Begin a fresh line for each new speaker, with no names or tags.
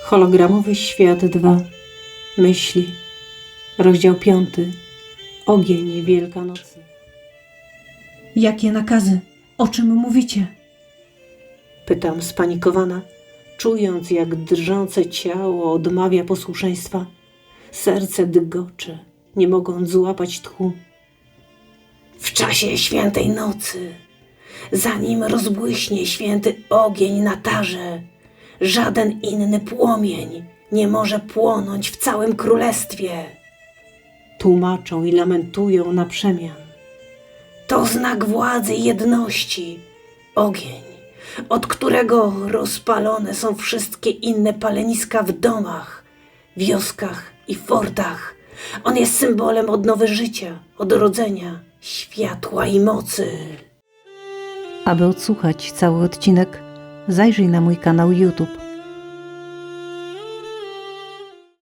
Hologramowy świat 2. Myśli. Rozdział 5. Ogień Wielkanocy.
Jakie nakazy? O czym mówicie?
Pytam spanikowana, czując jak drżące ciało odmawia posłuszeństwa. Serce dygocze, nie mogąc złapać tchu. W czasie świętej nocy, zanim rozbłyśnie święty ogień na tarze, żaden inny płomień nie może płonąć w całym królestwie. Tłumaczą i lamentują na przemian. To znak władzy i jedności. Ogień, od którego rozpalone są wszystkie inne paleniska w domach, wioskach i fortach. On jest symbolem odnowy życia, odrodzenia, światła i mocy.
Aby odsłuchać cały odcinek, zajrzyj na mój kanał YouTube.